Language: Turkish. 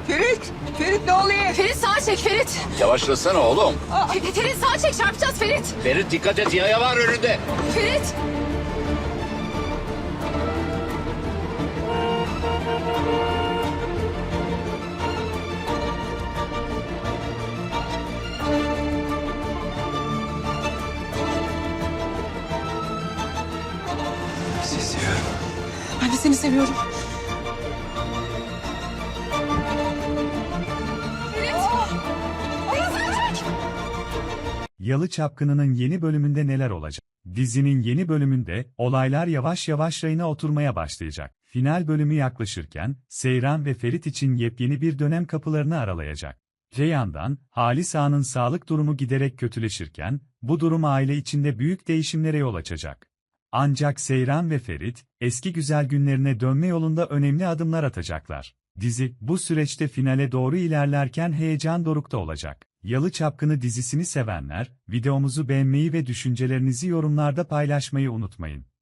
Ferit! Ferit ne oluyor? Ferit sağa çek Ferit. Yavaşlasana oğlum. Ferit sağa çek, çarpacağız Ferit. Ferit dikkat et, yaya var önünde. Ferit. Sizi seviyorum. Ben de seni seviyorum. Ferit. Ferit sağa çek. Yalı Çapkını'nın yeni bölümünde neler olacak? Dizinin yeni bölümünde olaylar yavaş yavaş rayına oturmaya başlayacak. Final bölümü yaklaşırken Seyran ve Ferit için yepyeni bir dönem kapılarını aralayacak. Reyhan'dan Halis Ağa'nın sağlık durumu giderek kötüleşirken bu durum aile içinde büyük değişimlere yol açacak. Ancak Seyran ve Ferit eski güzel günlerine dönme yolunda önemli adımlar atacaklar. Dizi bu süreçte finale doğru ilerlerken heyecan dorukta olacak. Yalı Çapkını dizisini sevenler, videomuzu beğenmeyi ve düşüncelerinizi yorumlarda paylaşmayı unutmayın.